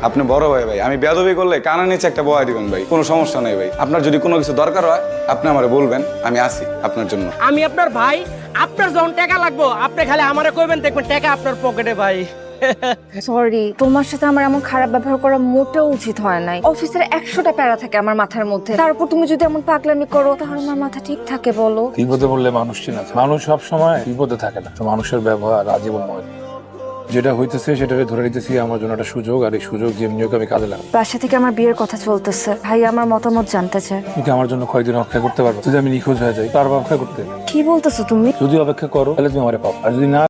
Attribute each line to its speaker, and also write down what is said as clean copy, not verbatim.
Speaker 1: আপনি বড় ভাই ভাই, আমি বেয়াদবি করলে কানা নিচে একটা বয়া দিবেন ভাই, কোনো সমস্যা নেই ভাই। আপনার যদি কোনো কিছু দরকার হয় আপনি আমারে বলবেন, আমি আসি আপনার জন্য।
Speaker 2: আমি আপনার ভাই, আপনার যখন টাকা লাগবো আপনি খালি আমারে কইবেন, দেখবেন টাকা আপনার পকেটে ভাই।
Speaker 3: সরি, তোমার সাথে আমার এমন খারাপ ব্যবহার করা মোটেও উচিত হয় নাই। অফিসের 100টা প্যারা থাকে আমার মাথার মধ্যে, তারপর তুমি যদি এমন পাগলামি করো তাহলে আমার মাথা ঠিক থাকে বলো?
Speaker 4: বিপদে বললে মানুষ চিনা যায়। মানুষ সব সময় বিপদে থাকে না, তো মানুষের ব্যবহার আজীবন নয়। যেটা হইতেছে সেটাকে ধরে নিতেছি আমার জন্য একটা সুযোগ, আর এই সুযোগ যেমনি হোক আমি কাজে লাগাবো।
Speaker 3: বাসা থেকে আমার বিয়ের কথা চলতেছে, ভাই আমার মতামত জানতে চায়।
Speaker 4: তুমি কি আমার জন্য কয়েকদিন অপেক্ষা করতে পারবো? যদি আমি নিখোঁজ হয়ে যাই তারপর অপেক্ষা করতে?
Speaker 3: কি বলতেছো তুমি?
Speaker 4: যদি অপেক্ষা করো তাহলে তুমি আমারে পাবো, আর যদি না